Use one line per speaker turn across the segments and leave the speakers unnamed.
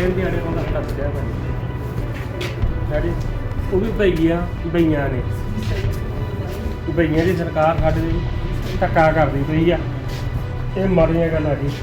ਦਿਨ ਦਿਹਾੜੇ ਉਹਦਾ ਸਾਡਾ ਬਚਿਆ ਭਾਜੀ ਸਾਡੇ ਉਹ ਵੀ ਬਈਆਂ ਨੇ ਬਈਆਂ ਦੀ ਸਰਕਾਰ ਸਾਡੇ ਦੀ ਧੱਕਾ ਕਰਦੀ ਪਈ ਆ। ਇਹ ਮਾੜੀਆਂ ਗੱਲਾਂ ਜੀ।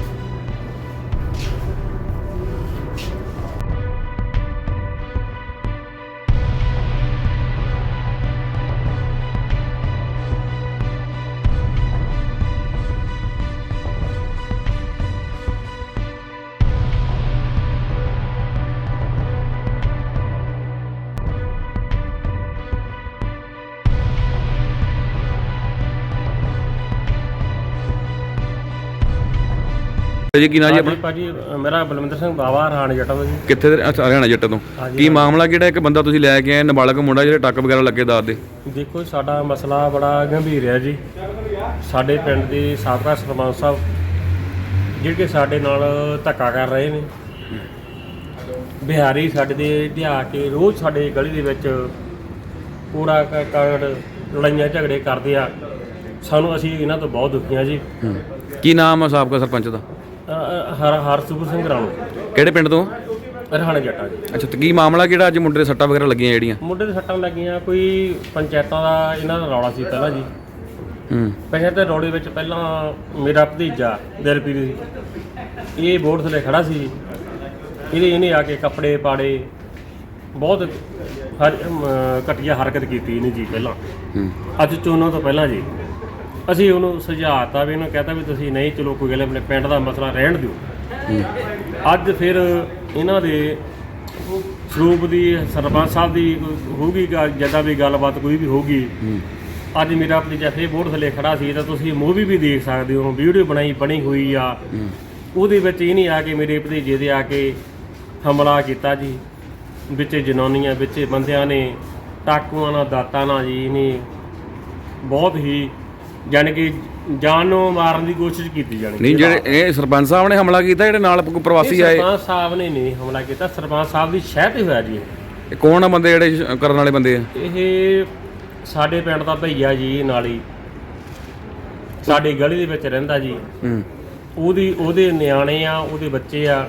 ਜੀ ਕੀ ਨਾਂ ਜੀ ਆਪਣਾ?
ਭਾਜੀ ਮੇਰਾ ਬਲਵਿੰਦਰ ਸਿੰਘ ਬਾਵਾ ਹਰਿਆਣਾ ਜੱਟਾਂ ਤੋਂ ਜੀ।
ਕਿੱਥੇ ਦੇ? ਅੱਛਾ ਹਰਿਆਣਾ ਜੱਟਾਂ ਤੋਂ। ਕੀ ਮਾਮਲਾ ਕਿਹੜਾ? ਇੱਕ ਬੰਦਾ ਤੁਸੀਂ ਲੈ ਕੇ ਆਏ ਨਾਬਾਲਗ ਮੁੰਡਾ ਜਿਹੜੇ ਟੱਕ ਵਗੈਰਾ ਲੱਗੇ ਦਾਦ ਦੇ।
ਦੇਖੋ ਸਾਡਾ ਮਸਲਾ ਬੜਾ ਗੰਭੀਰ ਹੈ ਜੀ। ਸਾਡੇ ਪਿੰਡ ਦੇ ਸਾਬਕਾ ਸਰਪੰਚ ਸਾਹਿਬ ਜਿਹੜੇ ਸਾਡੇ ਨਾਲ ਧੱਕਾ ਕਰ ਰਹੇ ਨੇ, ਬਿਹਾਰੀ ਸਾਡੇ ਦੇ ਲਿਆ ਕੇ ਰੋਜ਼ ਸਾਡੇ ਗਲੀ ਦੇ ਵਿੱਚ ਕੂੜਾ ਕਰਕਟ ਲੜਾਈਆਂ ਝਗੜੇ ਕਰਦੇ ਆ। ਸਾਨੂੰ ਅਸੀਂ ਇਹਨਾਂ ਤੋਂ ਬਹੁਤ ਦੁਖੀ ਹਾਂ ਜੀ।
ਕੀ ਨਾਮ ਆ ਸਾਬਕਾ ਸਰਪੰਚ ਦਾ?
ਹਰਸੂਰ ਸਿੰਘ ਰਾਣੋ।
ਕਿਹੜੇ ਪਿੰਡ ਤੋਂ?
ਹਰਿਆਣਾ ਜੱਟਾਂ ਜੀ।
ਅੱਛਾ ਤੇ ਕੀ ਮਾਮਲਾ ਕਿਹੜਾ? ਅੱਜ ਮੁੰਡੇ ਦੇ ਸੱਟਾਂ ਵਗੈਰਾ ਲੱਗੀਆਂ ਜਿਹੜੀਆਂ? ਮੁੰਡੇ
ਦੇ ਸੱਟਾਂ ਲੱਗੀਆਂ ਕੋਈ ਪੰਚਾਇਤਾਂ ਦਾ ਇਹਨਾਂ ਦਾ ਰੌਲਾ ਸੀ ਪਹਿਲਾਂ ਜੀ। ਪੰਚਾਇਤ ਦੇ ਰੌਲੇ ਵਿੱਚ ਪਹਿਲਾਂ ਮੇਰਾ ਭਤੀਜਾ ਦਿਲਪ੍ਰੀਤ ਇਹ ਬੋਰਡ ਥੱਲੇ ਖੜਾ ਸੀ। ਇਹਨੇ ਆ ਕੇ ਕੱਪੜੇ ਪਾੜੇ, ਬਹੁਤ ਘਟੀਆ ਹਰਕਤ ਕੀਤੀ ਇਹਨੇ ਜੀ। ਪਹਿਲਾਂ ਅੱਜ ਚੋਣਾਂ ਤੋਂ ਪਹਿਲਾਂ ਜੀ ਅਸੀਂ ਉਹਨੂੰ ਸੁਝਾਅਤਾ ਵੀ ਇਹਨੂੰ ਕਹਤਾ ਵੀ ਤੁਸੀਂ ਨਹੀਂ ਚਲੋ ਕੋਈ ਗੱਲ ਆਪਣੇ ਪਿੰਡ ਦਾ ਮਸਲਾ ਰਹਿਣ ਦਿਓ। ਅੱਜ ਫਿਰ ਇਹਨਾਂ ਦੇ ਸਰੂਪ ਦੀ ਸਰਪੰਚ ਸਾਹਿਬ ਦੀ ਹੋਊਗੀ ਜਿੱਦਾਂ ਵੀ ਗੱਲਬਾਤ ਕੋਈ ਵੀ ਹੋਊਗੀ। ਅੱਜ ਮੇਰਾ ਭਤੀਜਾ ਫਿਰ ਬੋਰਡ ਥੱਲੇ ਖੜਾ ਸੀ ਤਾਂ ਤੁਸੀਂ ਮੂਵੀ ਵੀ ਦੇਖ ਸਕਦੇ ਹੋ, ਵੀਡੀਓ ਬਣੀ ਹੋਈ ਆ। ਉਹਦੇ ਵਿੱਚ ਇਹ ਨਹੀਂ ਆ ਕੇ ਮੇਰੇ ਭਤੀਜੇ ਦੇ ਆ ਕੇ ਹਮਲਾ ਕੀਤਾ ਜੀ। ਵਿੱਚ ਜਨਾਨੀਆਂ ਵਿੱਚ ਬੰਦਿਆਂ ਨੇ ਟਾਕੂਆਂ ਨਾਲ ਦਾਤਾਂ ਨਾਲ ਜੀ ਇਹਨੇ ਬਹੁਤ ਹੀ ਜਾਣੀ ਕਿ ਜਾਨ ਨੂੰ ਮਾਰਨ ਦੀ ਕੋਸ਼ਿਸ਼ ਕੀਤੀ ਜਾਣੀ।
ਨਹੀਂ ਜਿਹੜੇ ਇਹ ਸਰਪੰਚ ਸਾਹਿਬ ਨੇ ਹਮਲਾ ਕੀਤਾ, ਜਿਹੜੇ ਨਾਲ ਪ੍ਰਵਾਸੀ ਆਏ?
ਸਰਪੰਚ ਸਾਹਿਬ ਨੇ ਨਹੀਂ ਹਮਲਾ ਕੀਤਾ, ਸਰਪੰਚ ਸਾਹਿਬ ਦੀ ਸ਼ਹਿ ਤੇ ਹੋਇਆ ਜੀ।
ਇਹ ਕੌਣ ਆ ਬੰਦੇ ਜਿਹੜੇ ਕਰਨ ਵਾਲੇ ਬੰਦੇ ਆ?
ਇਹ ਸਾਡੇ ਪਿੰਡ ਦਾ ਭਈਆ ਜੀ, ਨਾਲੀ ਸਾਡੀ ਗਲੀ ਦੇ ਵਿੱਚ ਰਹਿੰਦਾ ਜੀ। ਉਹਦੇ ਨਿਆਣੇ ਆ, ਉਹਦੇ ਬੱਚੇ ਆ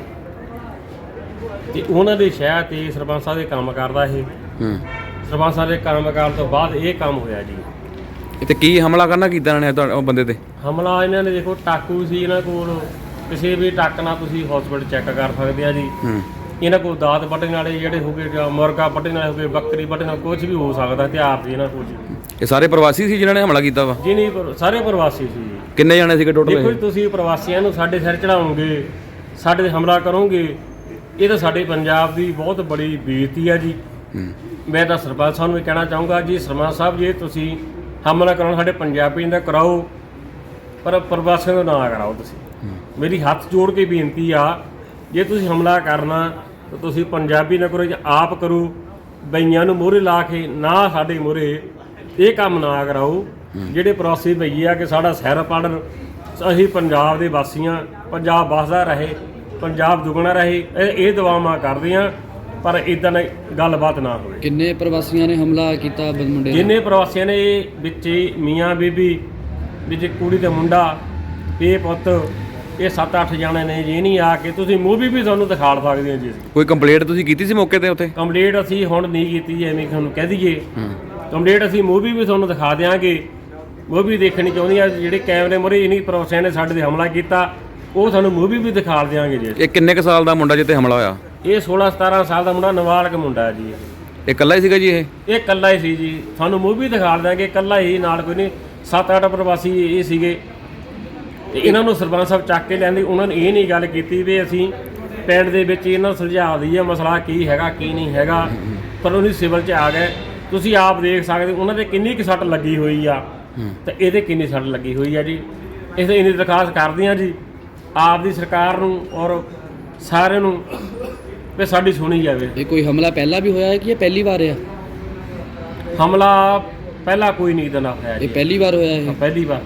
ਤੇ ਉਹਨਾਂ ਦੇ ਸ਼ਹਿ ਤੇ ਸਰਪੰਚ ਸਾਹਿਬ ਦੇ ਕੰਮ ਕਰਦਾ ਇਹ। ਸਰਪੰਚ ਸਾਹਿਬ ਦੇ ਕੰਮ ਕਰਨ ਤੋਂ ਬਾਅਦ ਇਹ ਕੰਮ ਹੋਇਆ ਜੀ।
ਤੇ ਕੀ ਹਮਲਾ ਕਰਨਾ ਕੀਤਾ ਇਹਨਾਂ ਨੇ ਉਹ ਬੰਦੇ ਤੇ?
ਹਮਲਾ ਇਹਨਾਂ ਨੇ ਦੇਖੋ ਟਾਕੂ ਸੀ ਇਹਨਾਂ ਕੋਲ, ਕਿਸੇ ਵੀ ਟੱਕ ਨਾਲ ਤੁਸੀਂ ਹਸਪੀਟਲ ਚੈੱਕ ਕਰ ਸਕਦੇ ਆ ਜੀ। ਇਹਨਾਂ ਕੋਲ ਦਾਤ ਵੱਢਣ ਵਾਲੇ ਜਿਹੜੇ ਹੋਗੇ, ਮੁਰਗਾ ਵੱਢਣ ਵਾਲੇ ਹੋਗੇ, ਬੱਕਰੀ ਵੱਢਣ ਵਾਲੇ, ਕੁਝ ਵੀ ਹੋ ਸਕਦਾ ਹਥਿਆਰ ਸੀ ਇਹਨਾਂ ਕੋਲ ਜੀ।
ਇਹ ਸਾਰੇ ਪ੍ਰਵਾਸੀ ਸੀ ਜਿਨ੍ਹਾਂ ਨੇ ਹਮਲਾ ਕੀਤਾ ਵਾ?
ਜੀ ਨਹੀਂ, ਸਾਰੇ ਪ੍ਰਵਾਸੀ ਸੀ ਜੀ।
ਕਿੰਨੇ ਜਾਣੇ ਸੀਗੇ ਟੋਟਲ?
ਦੇਖੋ ਤੁਸੀਂ ਪ੍ਰਵਾਸੀਆਂ ਨੂੰ ਸਾਡੇ ਸਿਰ ਚੜਾਓਗੇ, ਸਾਡੇ ਤੇ ਹਮਲਾ ਕਰੋਗੇ, ਇਹ ਤਾਂ ਸਾਡੇ ਪੰਜਾਬ ਦੀ ਬਹੁਤ ਬੜੀ ਬੇਇੱਜ਼ਤੀ ਆ ਜੀ। ਮੈਂ ਤਾਂ ਸਰਪੰਚ ਸਾਹਿਬ ਨੂੰ ਵੀ ਕਹਿਣਾ ਚਾਹੂੰਗਾ ਜੀ, ਸਰਪੰਚ ਸਾਹਿਬ ਜੇ ਤੁਸੀਂ ਹਮਲਾ ਕਰਾਉਣਾ ਸਾਡੇ ਪੰਜਾਬੀਆਂ ਦਾ ਕਰਾਓ, ਪਰ ਪ੍ਰਵਾਸੀਆਂ ਦਾ ਨਾ ਕਰਾਓ। ਤੁਸੀਂ ਮੇਰੀ ਹੱਥ ਜੋੜ ਕੇ ਬੇਨਤੀ ਆ, ਜੇ ਤੁਸੀਂ ਹਮਲਾ ਕਰਨਾ ਤਾਂ ਤੁਸੀਂ ਪੰਜਾਬੀ ਨਾ ਕਰੋ, ਆਪ ਕਰੋ। ਬਈਆਂ ਨੂੰ ਮੂਹਰੇ ਲਾ ਕੇ ਨਾ ਸਾਡੇ ਮੂਹਰੇ ਇਹ ਕੰਮ ਨਾ ਕਰਾਓ। ਜਿਹੜੇ ਪ੍ਰਵਾਸੀ ਬਈਏ ਆ ਕਿ ਸਾਡਾ ਸਿਰ ਪੜਨ, ਅਸੀਂ ਪੰਜਾਬ ਦੇ ਵਾਸੀਆਂ, ਪੰਜਾਬ ਵੱਸਦਾ ਰਹੇ, ਪੰਜਾਬ ਦੁੱਗਣਾ ਰਹੇ, ਇਹ ਦੁਆਵਾਂ ਕਰਦੇ ਹਾਂ। ਪਰ ਇਦਾਂ ਦੀ ਗੱਲਬਾਤ ਨਾ ਹੋਵੇ।
ਕਿੰਨੇ ਪ੍ਰਵਾਸੀਆਂ ਨੇ ਹਮਲਾ ਕੀਤਾ ਮੁੰਡੇ?
ਜਿੰਨੇ ਪ੍ਰਵਾਸੀਆਂ ਨੇ ਵਿੱਚ ਮੀਆਂ ਬੀਬੀ, ਵਿੱਚ ਕੁੜੀ ਤੇ ਮੁੰਡਾ, ਇਹ ਪੁੱਤ, ਇਹ 7-8 ਜਣੇ ਨੇ ਜੀ। ਨਹੀਂ ਆ ਕੇ ਤੁਸੀਂ ਮੂਵੀ ਵੀ ਤੁਹਾਨੂੰ ਦਿਖਾ ਸਕਦੇ ਹੋ ਜੀ।
ਕੋਈ ਕੰਪਲੇਂਟ ਤੁਸੀਂ ਕੀਤੀ ਸੀ ਮੌਕੇ ਤੇ ਉੱਥੇ?
ਕੰਪਲੇਂਟ ਅਸੀਂ ਹੁਣ ਨਹੀਂ ਕੀਤੀ, ਐਵੇਂ ਤੁਹਾਨੂੰ ਕਹਿ ਦਈਏ। ਕੰਪਲੇਂਟ ਅਸੀਂ ਮੂਵੀ ਵੀ ਤੁਹਾਨੂੰ ਦਿਖਾ ਦਿਆਂਗੇ। ਮੂਵੀ ਦੇਖਣੀ ਚਾਹੁੰਦੀ ਆ, ਜਿਹੜੇ ਕੈਮਰੇ ਮੂਹਰੇ ਇਨੀ ਪ੍ਰਵਾਸੀਆਂ ਨੇ ਸਾਡੇ ਤੇ ਹਮਲਾ ਕੀਤਾ, ਉਹ ਤੁਹਾਨੂੰ ਮੂਵੀ ਵੀ ਦਿਖਾ ਦਿਆਂਗੇ ਜੀ।
ਇਹ ਕਿੰਨੇ ਕੁ ਸਾਲ ਦਾ ਮੁੰਡਾ ਜਿੱਤੇ ਹਮਲਾ ਹੋਇਆ?
ਇਹ 16-17 ਸਾਲ ਦਾ ਮੁੰਡਾ, ਨਾਬਾਲਗ ਮੁੰਡਾ ਹੈ ਜੀ।
ਇਹ ਇਕੱਲਾ ਹੀ ਸੀਗਾ ਜੀ? ਇਹ
ਇਕੱਲਾ ਹੀ ਸੀ ਜੀ। ਤੁਹਾਨੂੰ ਮੂਵੀ ਦਿਖਾ ਦਿਆਂਗੇ, ਇਕੱਲਾ ਹੀ, ਨਾਲ ਕੋਈ ਨਹੀਂ। 7-8 ਪ੍ਰਵਾਸੀ ਇਹ ਸੀਗੇ ਤੇ ਇਹਨਾਂ ਨੂੰ ਸਰਪੰਚ ਸਾਹਿਬ ਚੱਕ ਕੇ ਲੈਂਦੇ। ਉਹਨਾਂ ਨੇ ਇਹ ਨਹੀਂ ਗੱਲ ਕੀਤੀ ਵੀ ਅਸੀਂ ਪਿੰਡ ਦੇ ਵਿੱਚ ਇਹਨਾਂ ਨੂੰ ਸੁਲਝਾ ਦਈਏ ਮਸਲਾ ਕੀ ਹੈਗਾ ਕੀ ਨਹੀਂ ਹੈਗਾ, ਪਰ ਉਹਨੇ ਸਿਵਲ 'ਚ ਆ ਗਏ। ਤੁਸੀਂ ਆਪ ਦੇਖ ਸਕਦੇ ਉਹਨਾਂ ਦੇ ਕਿੰਨੀ ਕੁ ਸੱਟ ਲੱਗੀ ਹੋਈ ਆ ਤੇ ਇਹਦੇ ਕਿੰਨੀ ਸੱਟ ਲੱਗੀ ਹੋਈ ਆ ਜੀ। ਇਸ ਇੰਨੀ ਦਰਖਾਸਤ ਕਰਦੇ ਹਾਂ ਜੀ ਆਪ ਦੀ ਸਰਕਾਰ ਨੂੰ ਔਰ ਸਾਰਿਆਂ ਨੂੰ ਵੀ ਸਾਡੀ ਸੁਣੀ ਜਾਵੇ।
ਇਹ ਕੋਈ ਹਮਲਾ ਪਹਿਲਾਂ ਵੀ ਹੋਇਆ ਹੈ ਕਿ ਇਹ ਪਹਿਲੀ ਵਾਰ ਆ?
ਹਮਲਾ ਪਹਿਲਾਂ ਕੋਈ ਨਹੀਂ ਇਦਾਂ ਹੋਇਆ ਜੀ।
ਇਹ ਪਹਿਲੀ ਵਾਰ ਹੋਇਆ? ਇਹ
ਪਹਿਲੀ ਵਾਰ।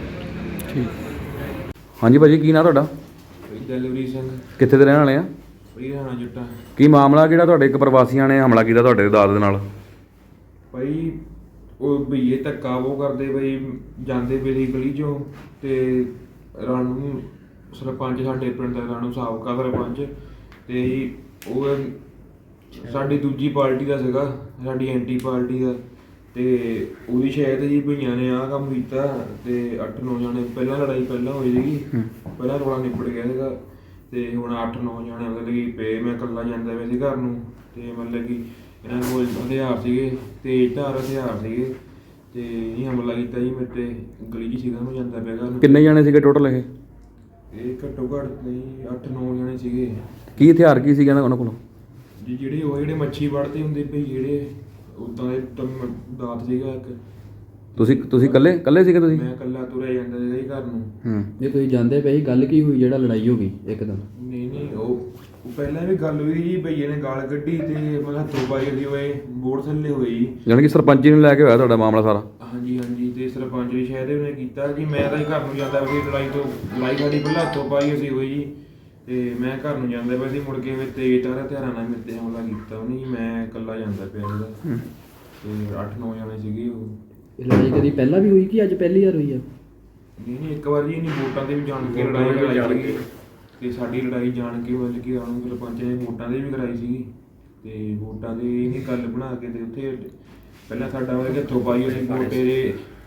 ਠੀਕ।
ਹਾਂਜੀ ਭਾਜੀ ਕੀ ਨਾਂ ਤੁਹਾਡਾ?
ਦਿਲਵੀਰ ਸਿੰਘ।
ਕਿੱਥੇ ਦੇ ਰਹਿਣ ਵਾਲੇ ਆ?
ਹਰਿਆਣਾ ਜੱਟਾਂ।
ਕੀ ਮਾਮਲਾ ਕਿਹੜਾ? ਤੁਹਾਡੇ ਇੱਕ ਪ੍ਰਵਾਸੀਆਂ ਨੇ ਹਮਲਾ ਕੀਤਾ ਤੁਹਾਡੇ ਦਾਦ ਦੇ ਨਾਲ?
ਭਾਈ ਉਹ ਭਈਏ ਧੱਕਾ ਉਹ ਕਰਦੇ ਬਈ, ਜਾਂਦੇ ਵੇਲੇ ਗਲੀ 'ਚੋਂ ਤੇ ਰਾਣੂ ਸਰਪੰਚ ਸਾਡੇ ਪਿੰਡ ਦਾ, ਰਾਣੂ ਸਾਬਕਾ ਸਰਪੰਚ, ਤੇ ਉਹ ਸਾਡੀ ਦੂਜੀ ਪਾਰਟੀ ਦਾ ਸੀਗਾ, ਸਾਡੀ ਐਂਟੀ ਪਾਰਟੀ ਦਾ, ਤੇ ਉਹਦੀ ਸ਼ਾਇਦ ਜੀ ਭਈਆਂ ਨੇ ਆਹ ਕੰਮ ਕੀਤਾ ਤੇ 8-9 ਜਾਣੇ ਪਹਿਲਾਂ ਲੜਾਈ ਪਹਿਲਾਂ ਹੋਈ ਸੀਗੀ, ਪਹਿਲਾਂ ਰੌਲਾ ਨਿਬੜ ਗਿਆ ਸੀਗਾ ਤੇ ਹੁਣ 8-9 ਜਾਣੇ ਮਤਲਬ ਕਿ ਪਏ। ਮੈਂ ਇਕੱਲਾ ਜਾਂਦਾ ਪਿਆ ਸੀ ਘਰ ਨੂੰ ਤੇ ਮਤਲਬ ਕਿ ਇਹਨਾਂ ਕੋਲ ਹਥਿਆਰ ਸੀਗੇ, ਤੇਜ਼ ਧਾਰ ਹਥਿਆਰ ਸੀਗੇ ਤੇ ਇਹ ਹਮਲਾ ਕੀਤਾ ਜੀ ਮੇਰੇ ਤੇ। ਗਲੀ 'ਚ ਸੀਗਾ, ਮੈਂ ਜਾਂਦਾ ਪਿਆ ਘਰ ਨੂੰ।
ਕਿੰਨੇ ਜਾਣੇ ਸੀਗੇ ਟੋਟਲ ਇਹ?
ਇਹ ਘੱਟੋ ਘੱਟ ਨਹੀਂ 8-9 ਜਾਣੇ ਸੀਗੇ
ਕੀ ਹਥਿਆਰ ਕੀ ਸੀਗਾ ਉਹਨਾਂ ਕੋਲ?
ਜੀ ਜਿਹੜੇ ਮੱਛੀ ਵੜਦੇ ਹੁੰਦੇ ਭਈ ਜਿਹੜੇ ਉਦਾਂ ਦੇ ਦਾਤ ਸੀਗਾ ਇੱਕ।
ਤੁਸੀਂ ਇਕੱਲੇ ਸੀਗੇ ਤੁਸੀਂ?
ਮੈਂ ਇਕੱਲਾ ਤੁਰਿਆ ਜਾਂਦਾ ਸੀਗਾ ਜੀ ਘਰ ਨੂੰ।
ਜੇ ਤੁਸੀਂ ਜਾਂਦੇ ਪਏ ਗੱਲ ਕੀ ਹੋਈ ਜਿਹੜਾ ਲੜਾਈ ਹੋ ਗਈ ਇੱਕਦਮ?
ਨਹੀਂ ਉਹ ਪਹਿਲਾਂ ਵੀ ਗੱਲ ਹੋਈ ਜੀ, ਭਈਏ ਨੇ ਗਾਲ ਕੱਢੀ ਤੇ ਮਤਲਬ ਹੱਥੋਂ ਪਾਈ ਦੀ ਹੋਏ, ਬੋਰਡ ਥੱਲੇ ਹੋਈ।
ਯਾਨੀ ਕਿ ਸਰਪੰਚੀ ਨੂੰ ਲੈ ਕੇ ਹੋਇਆ ਤੁਹਾਡਾ ਮਾਮਲਾ ਸਾਰਾ?
ਹਾਂਜੀ ਤੇ ਸਰਪੰਚ ਵੀ ਸ਼ਾਇਦ ਉਹਨੇ ਕੀਤਾ ਜੀ। ਮੈਂ ਤਾਂ ਜੀ ਘਰ ਨੂੰ ਜਾਂਦਾ ਸੀ, ਲੜਾਈ ਸਾਡੀ ਪਹਿਲਾਂ ਹੱਥੋਂ ਪਾਈ ਅਸੀਂ ਹੋਈ ਜੀ ਤੇ ਮੈਂ ਘਰ ਨੂੰ ਜਾਂਦਾ ਪਿਆ ਸੀ। ਮੁੜ ਕੇ ਮੇਰੇ ਤੇਜ਼ ਧਾਰ ਹਥਿਆਰਾਂ ਨਾਲ ਮੇਰੇ ਤੇ ਹਮਲਾ ਕੀਤਾ ਉਹਨੇ ਜੀ। ਮੈਂ ਇਕੱਲਾ ਜਾਂਦਾ ਪਿਆ ਸੀਗਾ ਤੇ 8-9 ਜਾਣੇ ਸੀਗੇ ਉਹ।
ਇਹ ਲੜਾਈ ਕਦੀ ਪਹਿਲਾਂ ਵੀ ਹੋਈ ਕਿ ਅੱਜ ਪਹਿਲੀ ਵਾਰ ਹੋਈ ਆ?
ਨਹੀਂ ਇੱਕ ਵਾਰ ਜੀ ਇਹਨੇ ਵੋਟਾਂ ਦੇ ਵੀ ਜਾਣ ਕੇ ਲੜਾਈ ਕਰਾਈ ਸੀਗੀ ਤੇ ਸਾਡੀ ਲੜਾਈ ਜਾਣ ਕੇ ਮਤਲਬ ਕਿ ਆਉਂ ਸਰਪੰਚ ਨੇ ਵੋਟਾਂ ਦੇ ਵੀ ਕਰਾਈ ਸੀਗੀ ਤੇ ਵੋਟਾਂ ਦੇ ਇਹਨੇ ਗੱਲ ਬਣਾ ਕੇ ਤੇ ਉੱਥੇ ਪਹਿਲਾਂ ਸਾਡਾ ਮਤਲਬ ਕਿ ਹੱਥੋਂ ਪਾਈ ਅਸੀਂ ਵੋਟੇ ਦੇ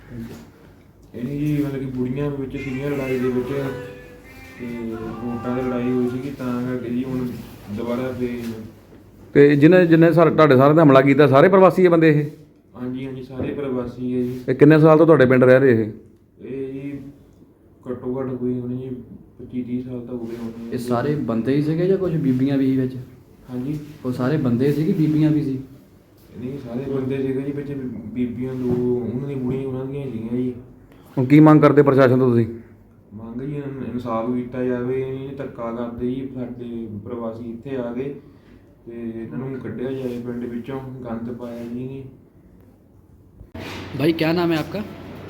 ਇਹਨੇ ਜੀ ਮਤਲਬ ਕਿ ਬੁੜੀਆਂ ਵਿੱਚ ਸੀਗੀਆਂ ਲੜਾਈ ਦੇ ਵਿੱਚ ਤੇ ਵੋਟਾਂ ਦੀ ਲੜਾਈ ਹੋਈ ਸੀਗੀ ਤਾਂ ਕਰਕੇ ਜੀ ਹੁਣ ਦੁਬਾਰਾ ਫੇਰ।
ਤੇ ਜਿਹਨੇ ਤੁਹਾਡੇ ਸਾਰਿਆਂ ਤੇ ਹਮਲਾ ਕੀਤਾ ਸਾਰੇ ਪ੍ਰਵਾਸੀ ਹੈ ਬੰਦੇ ਇਹ?
ਹਾਂਜੀ ਸਾਰੇ ਪ੍ਰਵਾਸੀ ਹੈ ਜੀ।
ਇਹ ਕਿੰਨੇ ਸਾਲ ਤੋਂ ਤੁਹਾਡੇ ਪਿੰਡ ਰਹਿ ਰਹੇ
ਇਹ ਜੀ ਘੱਟੋ ਘੱਟ ਕੋਈ ਹੋਣੀ ਜੀ 25-30 ਸਾਲ ਤਾਂ ਹੋ ਗਏ ਹੋਣੇ।
ਇਹ ਸਾਰੇ ਬੰਦੇ ਹੀ ਸੀਗੇ ਜਾਂ ਕੁਝ ਬੀਬੀਆਂ ਵੀ ਸੀ ਵਿੱਚ?
ਹਾਂਜੀ
ਉਹ ਸਾਰੇ ਬੰਦੇ ਸੀ ਕਿ ਬੀਬੀਆਂ ਵੀ ਸੀ?
ਨਹੀਂ ਸਾਰੇ ਬੰਦੇ ਸੀਗੇ ਜੀ, ਵਿੱਚ ਬੀਬੀਆਂ ਦੋ ਉਹਨਾਂ ਦੀ ਬੁੜੀਆਂ ਉਹਨਾਂ ਦੀਆਂ ਸੀਗੀਆਂ ਜੀ।
ਹੁਣ ਕੀ ਮੰਗ ਕਰਦੇ ਪ੍ਰਸ਼ਾਸਨ ਤੋਂ ਤੁਸੀਂ?
ਮੰਗ ਜੀ ਇਨਸਾਫ ਕੀਤਾ ਜਾਵੇ। ਇਹ ਧੱਕਾ ਕਰਦੇ ਜੀ ਸਾਡੇ ਪ੍ਰਵਾਸੀ ਇੱਥੇ ਆ ਗਏ ਤੇ ਇਹਨਾਂ ਨੂੰ ਕੱਢਿਆ ਜਾਏ ਪਿੰਡ ਵਿੱਚੋਂ, ਗੰਦ ਪਾਇਆ ਜੀ ਨਹੀਂ।
भाई क्या नाम है आपका?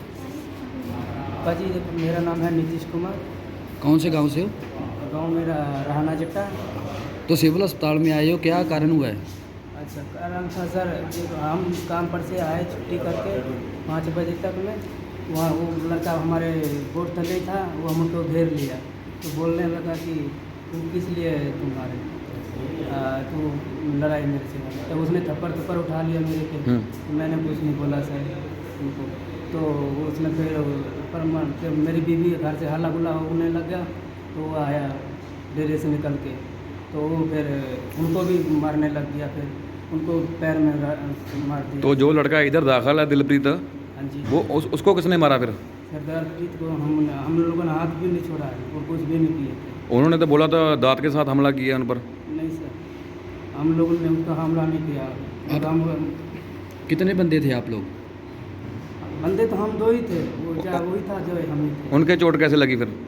पाजी मेरा नाम है नीतीश कुमार।
कौन से गांव से हो?
गांव मेरा रहना जट्टा।
तो सिविल अस्पताल में आए हो, क्या कारण हुआ है?
अच्छा कारण था सर, हम काम पर से आए छुट्टी करके 5 बजे तक में। वहाँ वो लड़का हमारे बोर्ड तले था, वो हमको घेर लिया तो बोलने लगा कि तुम किस लिए तुम्हारे तो लड़ाई मेरे से। तो उसने थप्पड़ उठा लिया मेरे पे। तो मैंने कुछ नहीं बोला सर उनको। तो उसने फिर मेरी बीवी घर से हल्ला गुल्ला होने लग गया तो वो आया डेरे से निकल के तो वो फिर उनको भी मारने लग गया। फिर उनको पैर में मार दिया।
तो जो लड़का इधर दाखिल है दिलप्रीत,
हाँ जी
वो उसको किसने मारा फिर?
सरदारप्रीत को हम लोगों ने हाथ भी नहीं छोड़ा है और कुछ भी नहीं किए थे।
उन्होंने तो बोला था दांत के साथ हमला किया उन पर।
नहीं सर, हम लोगों ने उनका हमला नहीं किया। हम
कितने बंदे थे आप लोग?
बंदे तो हम 2 ही थे, वो वही था जो हम ही थे।
उनके चोट कैसे लगी फिर?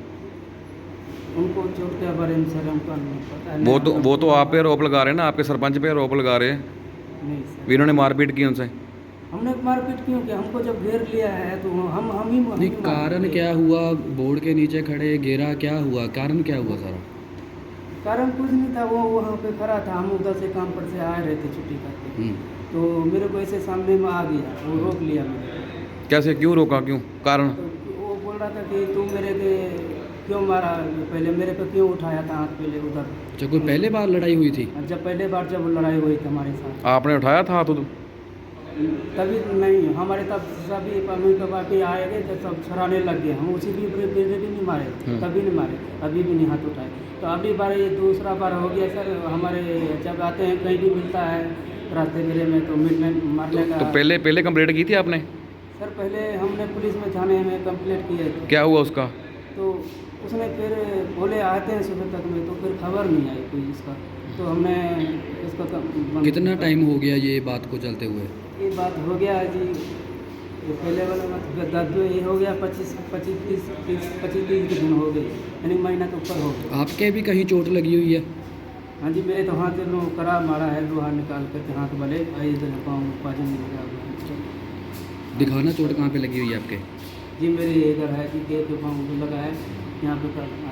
उनको चोट के बारे में सर हमको नहीं पता है।
वो तो आप पे आरोप लगा रहे हैं ना, आपके सरपंच पे आरोप लगा रहे हैं
नहीं सर,
भी इन्होंने मारपीट की उनसे।
हमने मारपीट क्यों किया? हमको जब घेर लिया है तो हम ही
नहीं, कारण क्या हुआ? बोर्ड के नीचे खड़े घेरा, क्या हुआ? कारण क्या हुआ सारा?
कारण कुछ नहीं था, वो वहाँ पे खड़ा था। हम उधर से काम पर से आ रहे थे छुट्टी करके तो मेरे को ऐसे सामने में आ गया, वो रोक लिया मेरे को।
कैसे, क्यों रोका, क्यों, कारण?
तो वो बोल रहा था कि तुम मेरे के क्यों मारा, पहले मेरे पे क्यों उठाया था हाथ पहले उधर।
जब कोई पहले बार लड़ाई हुई थी?
जब पहले बार जब लड़ाई हुई थी हमारे साथ
आपने उठाया था हाथ?
तभी नहीं, हमारे तब सभी मम्मी पापा भी आए गए तो सब छुड़ाने लग गए। हम उसी भी नहीं मारे, तभी नहीं मारे, अभी भी नहीं हाथ उठाए। तो अभी बार ये दूसरा बार हो गया सर। हमारे जब आते हैं कहीं भी मिलता है रास्ते मेरे में तो मिलने मारने का।
तो पहले कंप्लेंट की थी आपने?
सर पहले हमने पुलिस में थाने में कंप्लेंट किया थी।
क्या हुआ उसका?
तो उसने फिर बोले आते हैं सुबह तक में, तो फिर खबर नहीं आई कोई इसका। तो हमने इसका
कितना टाइम हो गया ये बात को चलते हुए?
ये बात हो गया है जी, ये पहले वाला बात ये हो गया 25-30 दिन हो गए, यानी महीना के ऊपर हो गया।
आपके भी कहीं चोट लगी हुई है?
हाँ जी, मेरे तो हाथ में करा मारा है, लोहा निकाल करके हाथ वाले इधर पाँव पाजन में लगा।
दिखाना चोट कहाँ पे लगी हुई है आपके?
जी मेरे इधर है जी, के पाँव लगा है यहाँ पे